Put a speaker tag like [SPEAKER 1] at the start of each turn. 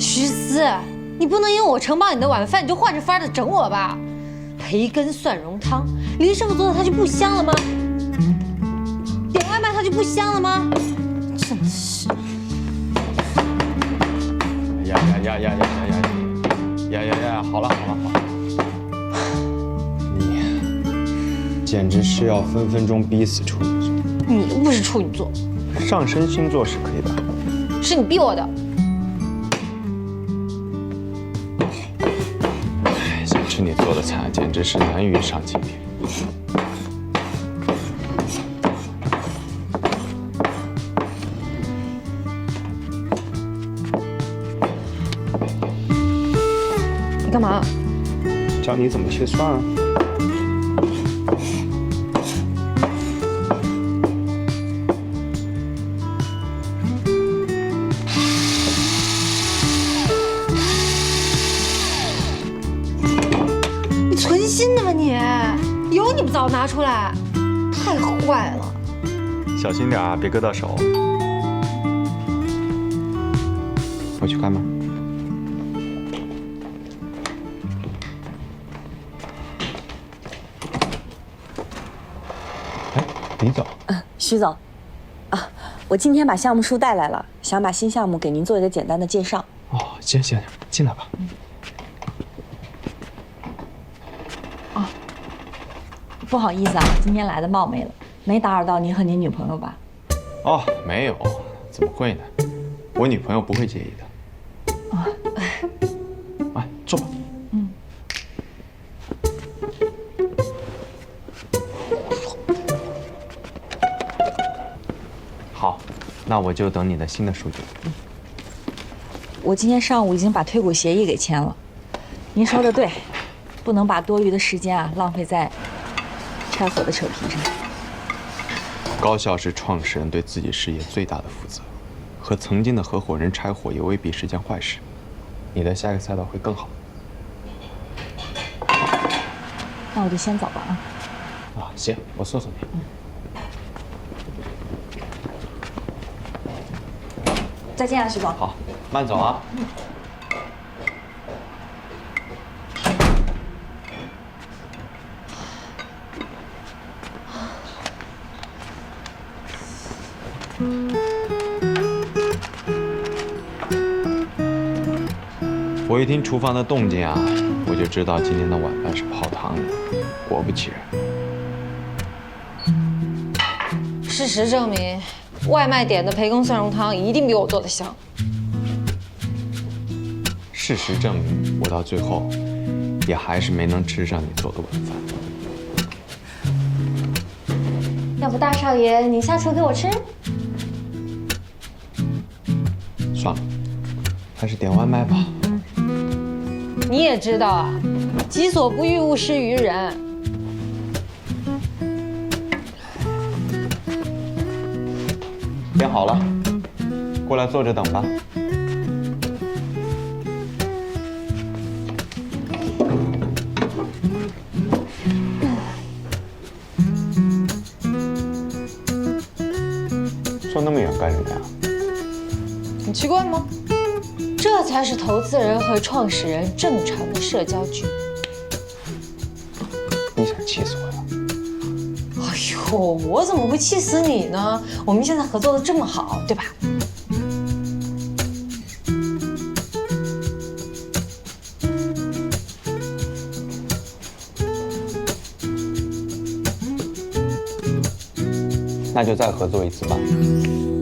[SPEAKER 1] 徐思，你不能因为我承包你的晚饭，你就换着法儿的整我吧？培根蒜蓉汤，林师傅做的它就不香了吗？点外卖它就不香了吗？真是！
[SPEAKER 2] 呀！好了，你简直是要分分钟逼死处女座。
[SPEAKER 1] 你又不是处女座，
[SPEAKER 2] 上升星座是可以的。
[SPEAKER 1] 是你逼我的。
[SPEAKER 2] 想吃你做的菜，简直是难于上青天。
[SPEAKER 1] 你干嘛？
[SPEAKER 2] 教你怎么切蒜啊。
[SPEAKER 1] 你存心的吗你？有你不早拿出来，太坏了！
[SPEAKER 2] 小心点啊，别割到手。我去开门。哎，李总。
[SPEAKER 3] 徐总，我今天把项目书带来了，想把新项目给您做一个简单的介绍。
[SPEAKER 2] 哦，行，进来吧。
[SPEAKER 3] 不好意思啊，今天来的冒昧了，没打扰到您和您女朋友吧？
[SPEAKER 2] 哦，没有，怎么会呢？我女朋友不会介意的。哎，坐吧。好，那我就等你的新的数据。
[SPEAKER 3] 我今天上午已经把退股协议给签了。您说的对，不能把多余的时间浪费在拆伙的扯皮上。
[SPEAKER 2] 高效是创始人对自己事业最大的负责，和曾经的合伙人拆伙也未必是件坏事。你的下一个赛道会更好。
[SPEAKER 3] 那我就先走了啊。
[SPEAKER 2] 行，我送你。
[SPEAKER 3] 再见啊，徐总。
[SPEAKER 2] 好，慢走啊。我一听厨房的动静我就知道今天的晚饭是泡汤的。果不其然，
[SPEAKER 1] 事实证明，外卖点的培根蒜蓉汤一定比我做的香。
[SPEAKER 2] 事实证明，我到最后也还是没能吃上你做的晚饭。
[SPEAKER 1] 要不大少爷你下厨给我吃？
[SPEAKER 2] 算了，还是点外卖吧。
[SPEAKER 1] 你也知道啊，己所不欲，勿施于人。
[SPEAKER 2] 点好了，过来坐着等吧。坐那么远干什么呀？
[SPEAKER 1] 很奇怪吗？这才是投资人和创始人正常的社交距离。
[SPEAKER 2] 你想气死我呀？
[SPEAKER 1] 哎呦，我怎么会气死你呢？我们现在合作的这么好，对吧？
[SPEAKER 2] 那就再合作一次吧。